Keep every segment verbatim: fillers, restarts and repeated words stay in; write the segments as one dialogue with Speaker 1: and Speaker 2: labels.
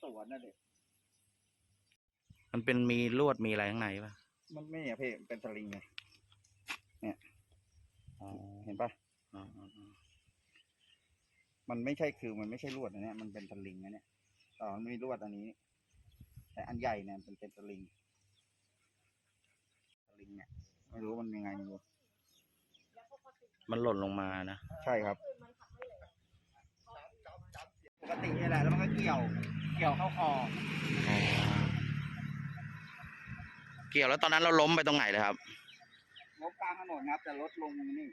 Speaker 1: วนนั่นเอง
Speaker 2: มันเป็นมีลวดมีอะไรข้างในป่ะ
Speaker 1: มันไม่อะพี่เป็นสลิงไงเนี่ยเห็นปะมันไม่ใช่คือมันไม่ใช่ลวดอันนี้มันเป็นสลิงนะเนี่ยอ๋อมันมีลวดอันนี้แต่อันใหญ่เนี่ยเป็นเป็นสลิงสลิงเนี่ยไม่รู้มันยังไงไม่รู้
Speaker 2: มันหล่นลงมานะ
Speaker 1: ใช่ครับปกตินี่แหละแล้วมันก็เกี่ยวเกี่ยวเข้าคอ
Speaker 2: เกี่ยวแล้วตอนนั้นเราล้มไปตรงไหนเลยครับ
Speaker 1: ล้มกลางถนนครับแต่รถลงนี่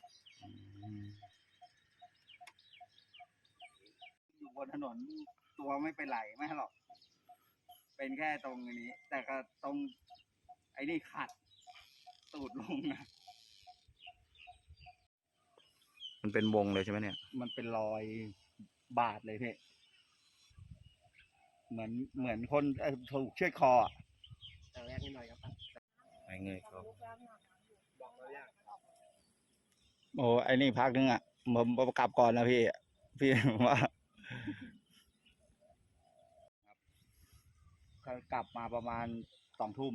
Speaker 1: อยู่บนถนนตัวไม่เป็นไรไม่หรอกเป็นแค่ตรงนี้แต่ก็ตรงไอ้นี่ขัดตูดลงนะ
Speaker 2: มันเป็นวงเลยใช่ไหมเนี่ย
Speaker 1: มันเป็นรอยบาดเลยพี่เหมือนเหมือนคนถูกเชือดคอแต่แรกนิดหน่อยครับ
Speaker 2: ไอ้เงยเขา
Speaker 1: โอ้ไอ้นี่พักนึงอ่ะผมกลับก่อนนะพี่พี่ว่ากลับมาประมาณสองทุ่ม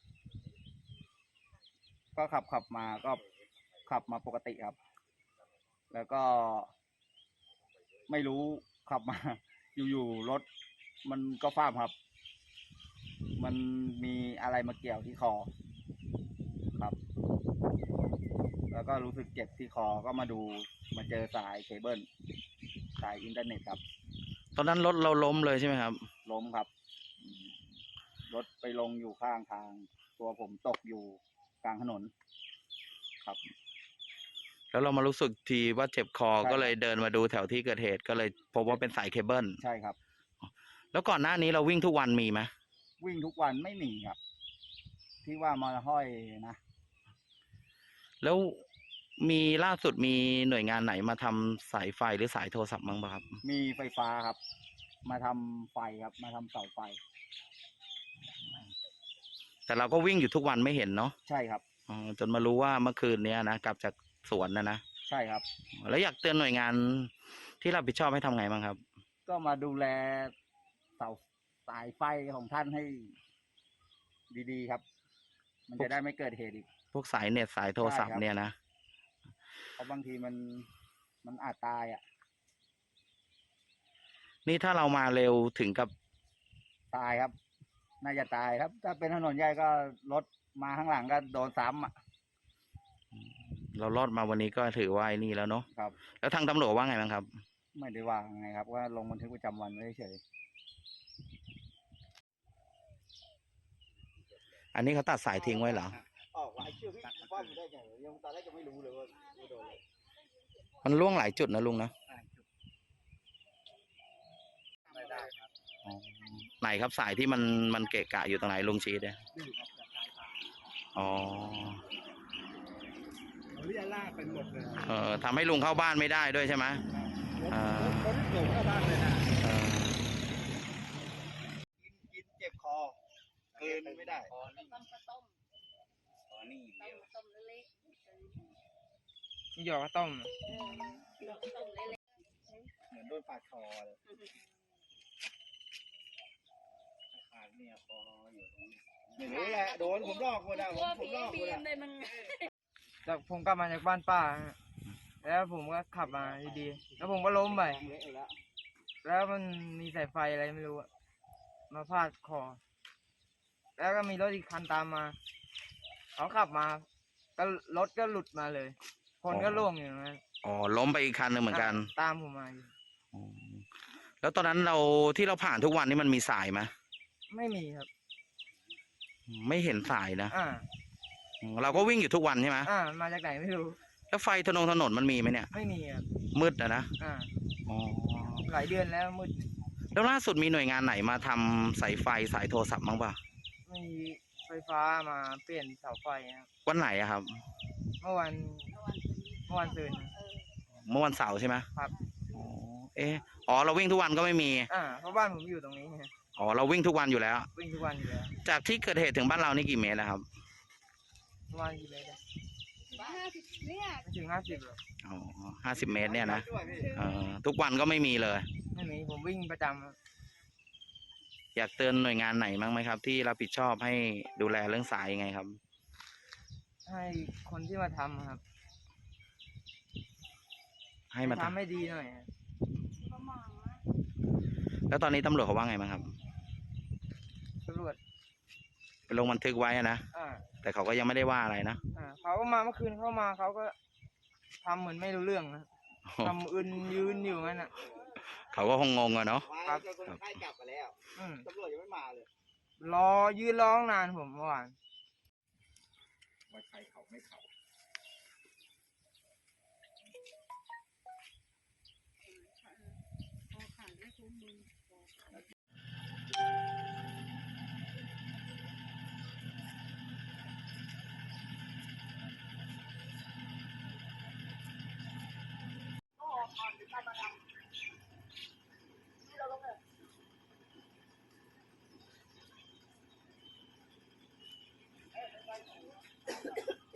Speaker 1: ก็ขับขับมาก็ขับมาปกติครับแล้วก็ไม่รู้ขับมาอยู่ๆรถมันก็ฟ้ามครับมันมีอะไรมาเกี่ยวที่คอครับแล้วก็รู้สึกเจ็บที่คอก็มาดูมาเจอสายเคเบิลสายอินเทอร์เน็ตครับ
Speaker 2: ตอนนั้นรถเราล้มเลยใช่ไหมครับ
Speaker 1: ล้มครับรถไปลงอยู่ข้างทางตัวผมตกอยู่กลางถนนครับ
Speaker 2: แล้วเรามารู้สึกทีว่าเจ็บคอก็เลยเดินมาดูแถวที่เกิดเหตุก็เลยพบว่าเป็นสายเคเบิล
Speaker 1: ใช่ครับ
Speaker 2: แล้วก่อนหน้านี้เราวิ่งทุกวันมีไหม
Speaker 1: วิ่งทุกวันไม่มีครับที่ว่ามาห้อยนะ
Speaker 2: แล้วมีล่าสุดมีหน่วยงานไหนมาทำสายไฟหรือสายโทรศัพท์บ้างป่ะครับ
Speaker 1: มีไฟฟ้าครับมาทำไฟครับมาทำเสาไฟ
Speaker 2: แต่เราก็วิ่งอยู่ทุกวันไม่เห็นเนาะ
Speaker 1: ใช่ครับ
Speaker 2: อ๋อจนมารู้ว่าเมื่อคืนนี้นะกลับจากสวนนะนะ
Speaker 1: ใช่ครับ
Speaker 2: แล้วอยากเตือนหน่วยงานที่รับผิดชอบให้ทำไงบ้างครับ
Speaker 1: ก็มาดูแลเสาสายไฟของท่านให้ดีๆครับมันจะได้ไม่เกิดเหตุอีก
Speaker 2: พวกสายเน็ตสายโทรศัพท์เนี่ยนะ
Speaker 1: เพราะบางทีมันมันอาจตายอ่ะ
Speaker 2: นี่ถ้าเรามาเร็วถึงกับ
Speaker 1: ตายครับน่าจะตายครับถ้าเป็นถนนใหญ่ก็รถมาข้างหลังก็โดนซ้ำอ่ะ
Speaker 2: เรารอดมาวันนี้ก็ถือว่าไอ้นี่แล้วเนาะ
Speaker 1: ครับ
Speaker 2: แล้วทางตำรวจว่าไงบ้างครับ
Speaker 1: ไม่ได้ว่าไงครับว่าลงบันทึกประจำวันไว้เฉย
Speaker 2: อันนี้เขาตัดสายทิ้งไว้เหรอ
Speaker 1: ออกไอ้เชื่อพี่ว่าผมได้ไงยังตอนแรกจะไม่รู้เลยว่าโดนอะไร
Speaker 2: มันล่วงหลายจุดนะลุงนะ
Speaker 1: ไม่ได้ครับ
Speaker 2: ไหนครับสายที่มันมันเกะกะอยู่ตรงไหนลุงชี้เนี่ยอ๋อ
Speaker 1: เรียลากเป็นหมดเลย
Speaker 2: เออทำให้ลุงเข้าบ้านไม่ได้ด้วยใช่ไหม
Speaker 1: อ่าคนหลงเข้าบ้านเลยนะกินกินเจ็บคอเกินไม่ได้
Speaker 3: ต้มต้มต้ม
Speaker 1: อ๋อนี่
Speaker 3: ต้มต้มเล็ก
Speaker 4: นี่หยอกข้าวต้ม
Speaker 3: เออต้มเล็ก
Speaker 1: เหมือนโดนปาดคอเลยขาดเนี่ยคออยู่ตรงนี้ไม่รู้แหละโดนผมลอกหมดอ่ะผมผมลอกหมดอ่ะ
Speaker 4: จากผมกลับมาจากบ้านป้าแล้วผมก็ขับมาดีๆแล้วผมก็ล้มไปแล้วมันมีสายไฟอะไรไม่รู้มาพาดคอแล้วก็มีรถอีกคันตามมาเขาขับมาก็รถก็หลุดมาเลยคนก็ล่วงอยู่นั้น
Speaker 2: อ๋อล้มไปอีกคันหนึ่งเหมือนกัน
Speaker 4: ตามผมมาอยู่
Speaker 2: แล้วตอนนั้นเราที่เราผ่านทุกวันนี้มันมีสายไหม
Speaker 4: ไม่มีครับ
Speaker 2: ไม่เห็นสายนะ
Speaker 4: อ่า
Speaker 2: เราก็วิ่งอยู่ทุกวันใช่ไหม
Speaker 4: อ่ามาจากไหนไม่รู้
Speaker 2: แล้วไฟถนนถนนมันมีไหมเนี่ย
Speaker 4: ไม่มีครับ
Speaker 2: มืดอะนะ
Speaker 4: อ่าอ๋อหลายเดือนแล้วมืด
Speaker 2: แล้วล่าสุดมีหน่วยงานไหนมาทำสายไฟสายโทรศัพท์บ้างป่ะ
Speaker 4: มีไฟฟ้ามาเปลี่ยนเสาไฟครับ
Speaker 2: วันไหนอะครับ
Speaker 4: เมื่อวันเมื่อวันซืน
Speaker 2: เมื่อวันเสาร์ใช่ไหม
Speaker 4: ครับ
Speaker 2: อ๋อเอออ๋อเราวิ่งทุกวันก็ไม่มี
Speaker 4: อ่าเพราะบ้านผมอยู่ตรงนี้
Speaker 2: อ๋อเราวิ่งทุกวันอยู่แล้ว
Speaker 4: วิ่งทุกวันอยู่แล้ว
Speaker 2: จากที่เกิดเหตุถึงบ้านเรานี่กี่เมตรนะครับ
Speaker 4: ประมาณกี่เมตร
Speaker 3: ห้าสิบเนี่ย
Speaker 4: ไม่ถึงห้าสิบหรอก
Speaker 2: อ๋อห้าสิบเมตรเนี่ยนะเออทุกวันก็ไม่มีเลย
Speaker 4: ไม่มีผมวิ่งประจ
Speaker 2: อยากเตือนหน่วยงานไหนบ้างไหมครับ ที่รับผิดชอบให้ดูแลเรื่องสายยังไงครับ
Speaker 4: ให้คนที่มาทำอะครับ
Speaker 2: ให้มา
Speaker 4: ทำ
Speaker 2: ทำ
Speaker 4: ให้ดีหน่อยอะ
Speaker 3: ประมาณ
Speaker 2: แล้วตอนนี้ตำรวจเขาว่าไงบ้างครับ
Speaker 4: ตำรวจ
Speaker 2: ไปลงบันทึกไว้อะนะ
Speaker 4: อ่า
Speaker 2: แต่เขาก็ยังไม่ได้ว่าอะไรนะ
Speaker 4: อ่าเขาก็มาเมื่อคืนเข้ามาเขาก็ทำเหมือนไม่รู้เรื่องนะทำอึนยืนอยู่งั้นอ่ะ
Speaker 2: เขาก็คงงงอะเนาะ
Speaker 4: ครับ
Speaker 1: คนไข้กลับมาแล้ว
Speaker 4: อืม
Speaker 1: ตำรวจยังไม่มาเลย
Speaker 4: รอยืนร้องนานผมเมื่อวาน
Speaker 1: ว่าใครเขาไม่เขา